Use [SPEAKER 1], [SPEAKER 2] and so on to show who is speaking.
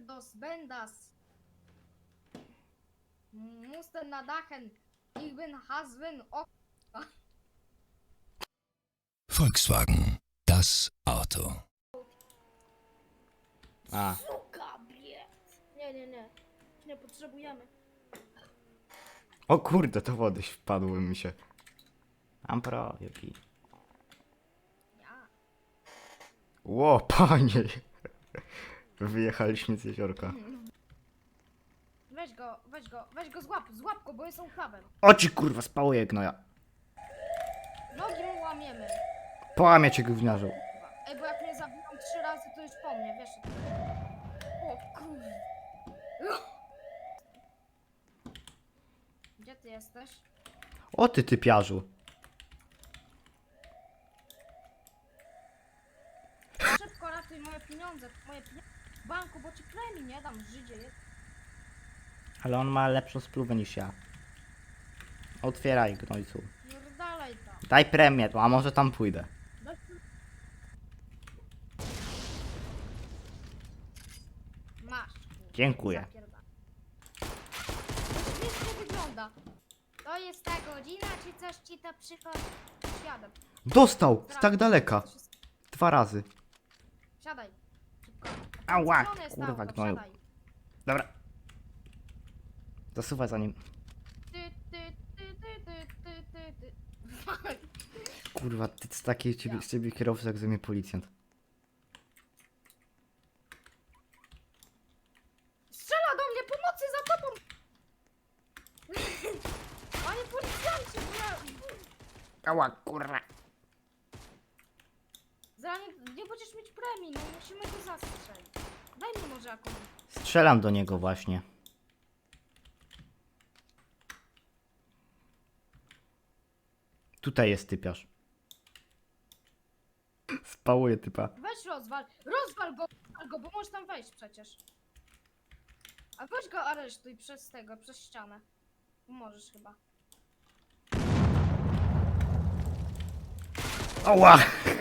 [SPEAKER 1] dos Bendas. Mussten na Dachen. Ich bin Haswin.
[SPEAKER 2] Volkswagen, das Auto.
[SPEAKER 3] A,
[SPEAKER 1] Suka, biec. Nie. Nie potrzebujemy.
[SPEAKER 3] o kurde, to wody wpadły mi się. Ampro, jaki.
[SPEAKER 1] Ja.
[SPEAKER 3] Ło, panie. Wyjechaliśmy z jeziorka.
[SPEAKER 1] Weź go, złap go, bo jest uchwawem.
[SPEAKER 3] Oci kurwa, spało je gnoja.
[SPEAKER 1] Nogi mu łamiemy.
[SPEAKER 3] Połamie cię gówniarzu.
[SPEAKER 1] Ej, bo jak mnie zabiją 3 razy, to już po mnie, wiesz. O kurde. Gdzie ty jesteś?
[SPEAKER 3] O ty typiarzu.
[SPEAKER 1] Szybko ratuj moje pieniądze, w banku, bo ci premii nie dam, Żydzie.
[SPEAKER 3] Ale on ma lepszą spluwę niż ja. Otwieraj, gnojcu.
[SPEAKER 1] Dalej tam.
[SPEAKER 3] Daj premię, a może tam pójdę.
[SPEAKER 1] Masz.
[SPEAKER 3] Dziękuję.
[SPEAKER 1] Zapierdam. Wiesz, jak wygląda. To jest ta godzina, czy coś ci to przychodzi? Siadam.
[SPEAKER 3] Dostał! Z tak daleka. 2 razy.
[SPEAKER 1] Siadaj. Szybko.
[SPEAKER 3] Ała,
[SPEAKER 1] Zielone jest
[SPEAKER 3] kurwa,
[SPEAKER 1] auto,
[SPEAKER 3] gnoju.
[SPEAKER 1] siadaj.
[SPEAKER 3] Dobra. Zasuwaj za nim.
[SPEAKER 1] Ty.
[SPEAKER 3] Kurwa, ty z takiej z ciebie kierowcy jak ze mnie policjant.
[SPEAKER 1] Strzela do mnie, pomocy za tobą! Panie policjancie,
[SPEAKER 3] Ała, kurwa.
[SPEAKER 1] zaraz nie będziesz mieć premii, no musimy go zastrzelić. Daj mi może jakąś.
[SPEAKER 3] Strzelam do niego właśnie. Tutaj jest typiarz. Spałuję typa.
[SPEAKER 1] Weź rozwal go, bo możesz tam wejść przecież. A weź go aresztuj przez ścianę. Możesz chyba.
[SPEAKER 3] Ała!